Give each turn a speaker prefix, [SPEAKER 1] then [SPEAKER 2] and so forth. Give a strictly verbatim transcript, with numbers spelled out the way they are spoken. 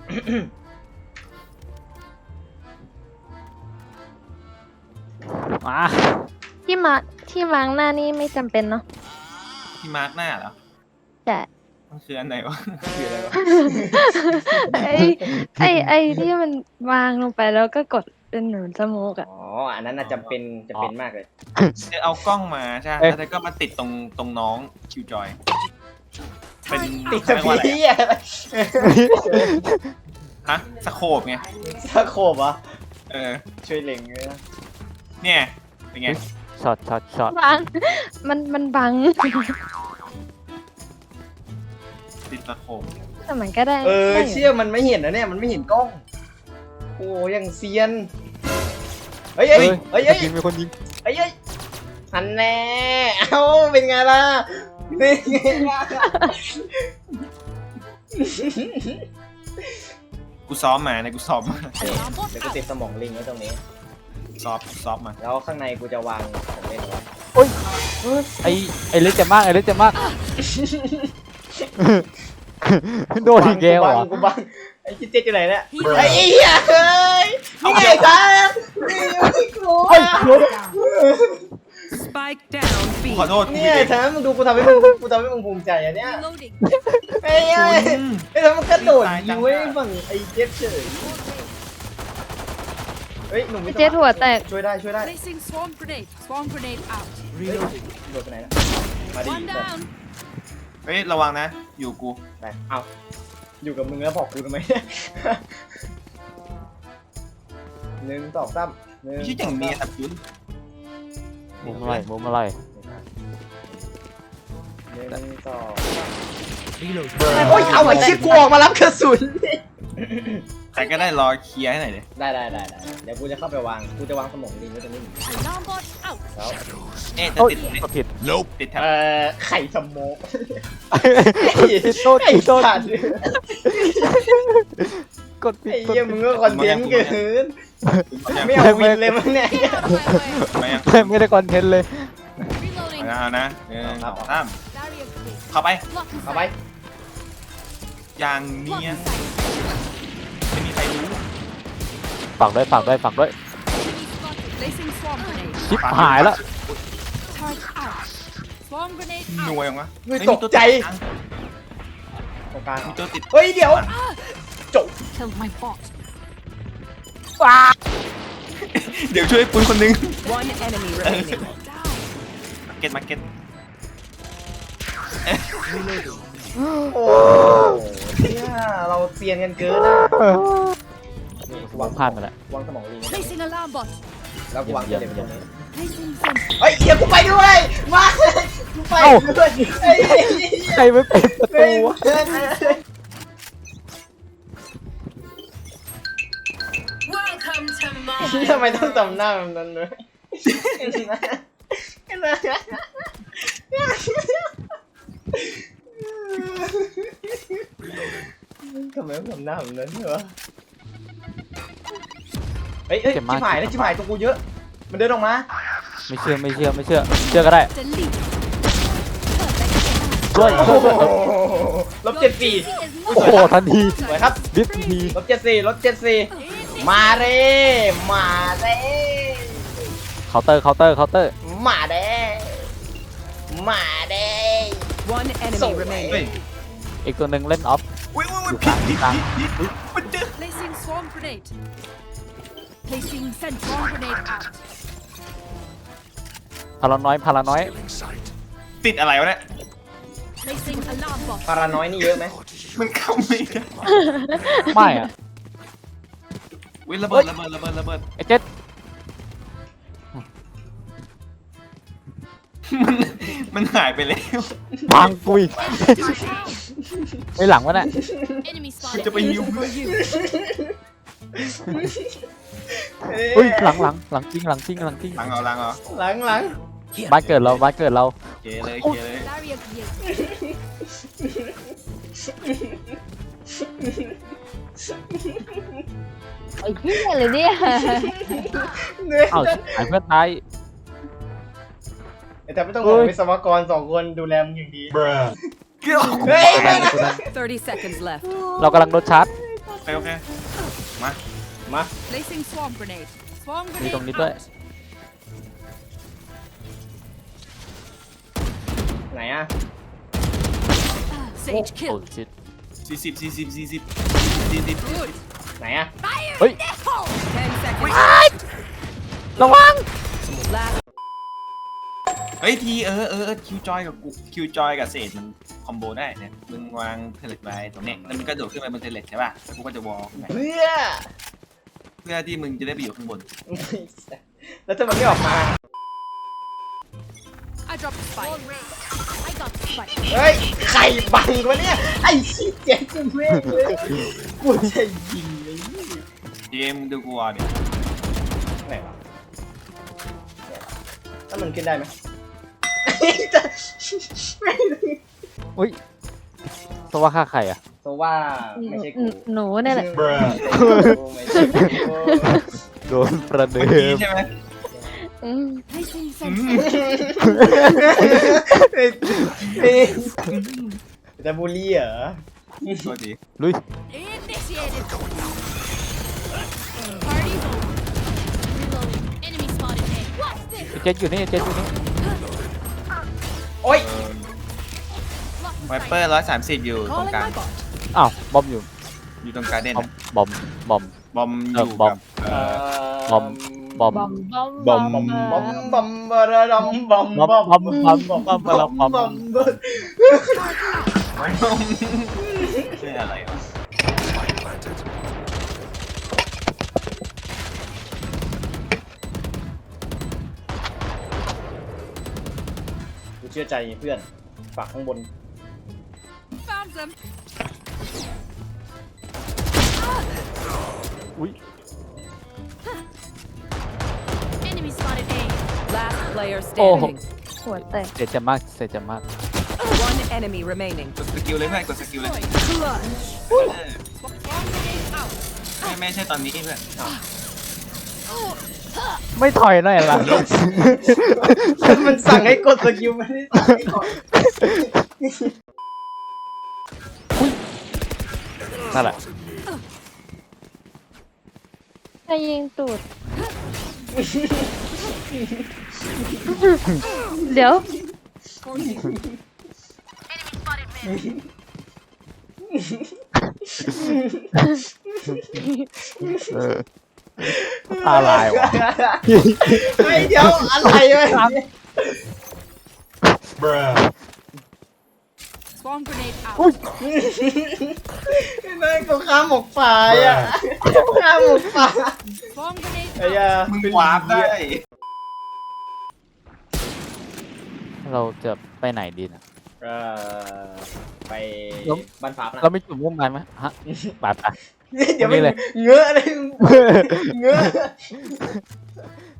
[SPEAKER 1] มา
[SPEAKER 2] ที่มาที่มาร์กหน้านี่ไม่จำเป็นเนาะ
[SPEAKER 3] ที่มาร์กหน้าเหรอ
[SPEAKER 2] แต่
[SPEAKER 3] มันคืออันไหนวะ
[SPEAKER 4] คืออะไรวะ
[SPEAKER 2] ไอ้ไอ้ไอ้ที่มันวางลงไปแล้วก็กดเป็นหนุนสโมกอ่ะ
[SPEAKER 4] อ๋ออันนั้นน่ะจำเป็นจะเป็นมากเลย
[SPEAKER 3] จะเอากล้องมาใช่ไหมแล้วก็มาติดตรงตรงน้องคิวจอยเป็น
[SPEAKER 4] ติดสปีอะ
[SPEAKER 3] ฮะสโคปไง
[SPEAKER 4] สโคปเหรอ
[SPEAKER 3] เออ
[SPEAKER 4] ช่วยเล็งเลยนะ
[SPEAKER 3] เนี่ยเป็นไง
[SPEAKER 1] ช็อตช็อตช็อต
[SPEAKER 2] บังมันมันบัง
[SPEAKER 3] ติดสโคป
[SPEAKER 2] แต่มันก็ได้
[SPEAKER 4] เออเชื่อมันไม่เห็นนะเนี่ยมันไม่เห็นกล้องโอ้ยังเซียนเฮ้ยเฮ้ยเฮ้ยเฮ้ย
[SPEAKER 1] มีคนยิง
[SPEAKER 4] เฮ้ยเฮ้ยหันแน่เอ้าเป็นไงล่ะเป็นไงล่ะ
[SPEAKER 3] กูซ้อมมาเนี่ยกูซ้อมมา
[SPEAKER 4] เดี๋ยวกูติดสมองลิงไว้ตรงนี้
[SPEAKER 3] ซ้อมซ้อมมา
[SPEAKER 4] แล้วข้างในกูจะวางของเล่นไว้
[SPEAKER 1] โอ้ยไอไอเล็กจะมากไอเล็กจะมากโดนอีกแล้วอ่ะ
[SPEAKER 4] กูบังไอ้คิดเจ๊อยู่ไหนเนี่ยไอ้เหี้ยเฮ้ยนี่ไงครับนี่กู
[SPEAKER 3] ขอโทษ
[SPEAKER 4] เนี่ยแถมมึงดูกูทำให้มึงกูทำให้มึงภูมิใจอ่ะเนี่ยไอ้ไอ้ไอ้ทำมันกระโดดยิงไว้ฝั่งไอ้เจ๊เฉยเฮ้ยหนุ่ม
[SPEAKER 2] เจ๊หัวแตก
[SPEAKER 4] ช่วยได้ช่วยได้โดดไปไหนนะมาดิ
[SPEAKER 3] เฮ้ยระวังนะอยู่กู
[SPEAKER 4] ไปเอาอยู่กับมึงแล้วบอกกูทำไมหนึ่งสองสามหนึ่ง
[SPEAKER 3] ไม่ใช่อย่างนี้ครับคุณ
[SPEAKER 1] มุมอะไรมุมอะไร
[SPEAKER 4] หนึ่งสองโอ้ยเอาไอ้ชิบกูออกมารับกระสุน
[SPEAKER 3] ใครก็ได้รอเคลียร์ให้หน่อยเลย
[SPEAKER 4] ได้ได้ได้ได้เดี๋ยวกูจะเข้าไปวางกูจะวางสมองลิงไว้ตรงนี้แล้ว
[SPEAKER 3] เอ๊ะจะติด
[SPEAKER 1] ผิด
[SPEAKER 3] ลบติดแท็บ
[SPEAKER 4] เอ่อไข่สมอง
[SPEAKER 1] โทษโทษกดผิด
[SPEAKER 4] ไอ้เหี้ยมึงก็คอนเทนต์เกินไม่เอาวินเลยมั้งเนี่ย
[SPEAKER 1] ไม่ไม่ได้คอนเทนต์เลย
[SPEAKER 3] เอานะหนึ่งสองสามเข้าไป
[SPEAKER 4] เข้าไป
[SPEAKER 3] อย่างเนี้ยไม่มีใครรู้
[SPEAKER 1] ฝากด้วยฝากด้วยฝากด้วยชิบหายแล้ว
[SPEAKER 3] หน่วยมั้ง
[SPEAKER 4] ไม่ตกใจตรงกลาง
[SPEAKER 3] มีตัวติด
[SPEAKER 4] เฮ้ยเดี๋ยวจบ
[SPEAKER 3] เดี๋ยวช่วยปุ้ยคนนึงมาเก็ตมาเก็ต
[SPEAKER 4] โอ้เนี่ยเราเซียนกันเกินนะ
[SPEAKER 1] วางพลาดมาแล้ว
[SPEAKER 4] วางสมองลิงแล้วกูวางเด็กตรงนี้เฮ้ยเดี๋ยวกูไปด้วยมากูไปด้วย
[SPEAKER 1] ใครไม่เปิดประตูวะ
[SPEAKER 4] ทำไมต้องจำหน้าแบบนั้นด้วยทำไมต้องทำหน้าแบบนั้นเหรอเฮ้ยเฮ้ยชิบหายแล้วชิบหายตัวกูเยอะมันเดินออกมา
[SPEAKER 1] ไม่เชื่อไม่เชื่อไม่เชื่อเชื่อก็ได้ช่วยช่วยช่วย
[SPEAKER 4] ลบเจ็ดสี่
[SPEAKER 1] โอ้โหทันที
[SPEAKER 4] สวยครับ
[SPEAKER 1] ดิสที
[SPEAKER 4] ลบเจ็ดสี่ลบเจ็ดสี่มาเร่มาเร่
[SPEAKER 1] เคาน์เตอร์เคาน์เตอร์เคาน์เตอร์
[SPEAKER 4] มาเด้มาเด้
[SPEAKER 1] ส่งอีกตัวหนึ่งเล่นออฟอยู่กลางกลางพาราน้อยพาราน้อย
[SPEAKER 3] ติดอะไรวะเนี่ย
[SPEAKER 4] พาราน้อยนี่เยอะไหม
[SPEAKER 3] มันเข้าไม่ได้
[SPEAKER 1] ไม่อะ
[SPEAKER 3] วิระเบิดระเบิดระเบิดระเบิด
[SPEAKER 1] ไอ้เจ็ด
[SPEAKER 3] มันมันหายไปแล้ว
[SPEAKER 1] บางกุยไปหลังวะเนี่ย
[SPEAKER 3] จะไปยิวเพื่อน
[SPEAKER 1] เฮ้ยหลังหลังหลังจริงหลังจริงหลังจริง
[SPEAKER 3] หลังเอาหลังเอา
[SPEAKER 4] หลังหลัง
[SPEAKER 1] บ้านเกิดเราบ้านเกิดเรา
[SPEAKER 3] เกเลยเกเลย
[SPEAKER 2] ไอ้เหี้ยเลยเนี่ย
[SPEAKER 1] เอ้าหายเพื่อนตาย
[SPEAKER 4] แต่ไม่ต้องบอกวิศวกรสองคนดูแลมึงอย่างดีเฮ้ย
[SPEAKER 1] เรากำลังโดนชาร์จ
[SPEAKER 3] เคโอเคมา
[SPEAKER 4] มา
[SPEAKER 5] Placing swarm grenade. Swarm
[SPEAKER 1] มี
[SPEAKER 5] grenade
[SPEAKER 1] ตรงนี้ด้วย
[SPEAKER 5] out.
[SPEAKER 4] ไหนอ่ะ
[SPEAKER 5] Sage
[SPEAKER 1] โอ้
[SPEAKER 5] kill.
[SPEAKER 1] ชิด
[SPEAKER 3] สี่สิบสี่สิบสี่สิบสี่สิบ
[SPEAKER 5] Good.
[SPEAKER 4] ไหนอ่ะ
[SPEAKER 5] Fire
[SPEAKER 1] Oi.
[SPEAKER 5] in the hole. Ten seconds.
[SPEAKER 1] ระวัง
[SPEAKER 5] Last.
[SPEAKER 3] เฮ้ยทีเออเออคิวจอยกับกูคิวจอยกับเศษมันคอมโบได้เนี่ยมึงวางเทเลตไว้ตรงนี้แล้วมึงก็โดดขึ้นไปบนเทเลตใช่ป่ะแล้วกูก็จะวอลขึ้นไป
[SPEAKER 4] เพื่อ
[SPEAKER 3] เพื่อที่มึงจะได้ไปอยู่ข้างบน
[SPEAKER 4] แล้วถ้ามันไม่ออกมา
[SPEAKER 5] I dropped the spike. I got the spike.
[SPEAKER 4] เฮ้ยใครบังวะเนี่ยไอ้ชี้เจ๊จะเม่งเลยกูจะยิงเลย
[SPEAKER 3] เจมดูกูวอลเนี่ย
[SPEAKER 4] ไหนวะเนี่ยแล้วมันขึ้นได้ไหม
[SPEAKER 1] อุ้ยสว่าฆ่าใครอ่ะ
[SPEAKER 4] เพราะว่าไม่ใช่กู
[SPEAKER 2] หนูเนี่ยแหละ
[SPEAKER 4] ไม่ใช่กู
[SPEAKER 1] โดนประเดิ
[SPEAKER 3] เมื่อกี้
[SPEAKER 1] ม
[SPEAKER 3] ใช่ไหม
[SPEAKER 2] อืม
[SPEAKER 5] Placing
[SPEAKER 3] อื
[SPEAKER 5] sensor.
[SPEAKER 3] ม
[SPEAKER 4] จะบูลลี่เหรอ
[SPEAKER 3] สวัสดี
[SPEAKER 1] ลุย
[SPEAKER 5] Initiated. Party over. Reloading. Enemy spotted A. What's this?
[SPEAKER 1] เจ็ดอยู่นี่เจ็ดอยู่นี่
[SPEAKER 4] โอ๊ย
[SPEAKER 3] ไวเปอร์ร้อยสามสิบอยู่ตรง
[SPEAKER 5] Calling
[SPEAKER 3] กลาง
[SPEAKER 5] my bot.
[SPEAKER 1] อ้าวบอมอยู่
[SPEAKER 3] อยู่ตรงการเด่น
[SPEAKER 1] บอมบอมบอม
[SPEAKER 3] บอมอ
[SPEAKER 1] เออยู่ บอม
[SPEAKER 3] กับเอ่อ
[SPEAKER 1] บอม บอม
[SPEAKER 2] บอมบอม
[SPEAKER 1] บอม
[SPEAKER 4] บอมบอมบอมบอมบอมบอมบอมบอมบอมบอมบอมบอมบอม
[SPEAKER 3] ชื่ออะไรวะ
[SPEAKER 4] กูเชื่อใจเพื่อนฝากข้างบน
[SPEAKER 5] Found them.
[SPEAKER 1] อุ้ย
[SPEAKER 5] Enemy spotted A.
[SPEAKER 6] Last player
[SPEAKER 1] โอ้โห
[SPEAKER 6] standing.
[SPEAKER 2] หัวแตก
[SPEAKER 1] เสียใจมากเสียใจมาก
[SPEAKER 6] One enemy remaining.
[SPEAKER 3] กดสกิลเลยเพื่อนกดสกิลเลย
[SPEAKER 5] Clutch.
[SPEAKER 3] เออ
[SPEAKER 5] Swarm grenade out.
[SPEAKER 3] ไม่ไม่ใช่ตอนนี้เพื่อน
[SPEAKER 1] ไม่ถอยหน่อยล่ะ
[SPEAKER 4] มันสั่งให้กดสกิลไม่ได้สั่งให้กด
[SPEAKER 1] นั่นแหละ
[SPEAKER 2] ใครยิงตูด เดี๋ยว
[SPEAKER 1] เออตาลายว่ะ
[SPEAKER 4] ไอ้เดี๋ยวอะไรวะ
[SPEAKER 5] Swarm grenade out.
[SPEAKER 4] นั่นก็ข้ามหมกป่าอ่ะข้ามหมกป่า
[SPEAKER 5] Swarm grenade
[SPEAKER 4] ไอ้
[SPEAKER 5] out.
[SPEAKER 4] ยา
[SPEAKER 3] มึงวาร์ปได้
[SPEAKER 1] เราจะไปไหนดีนะ
[SPEAKER 4] เออไปบ้านฟ้านะ
[SPEAKER 1] เราไม่จุ่มร่วมกันไหมฮะไปไป
[SPEAKER 4] เดี๋ยว
[SPEAKER 1] นี่
[SPEAKER 4] มัน
[SPEAKER 1] เลย
[SPEAKER 4] เงื้อเลยเงื้อ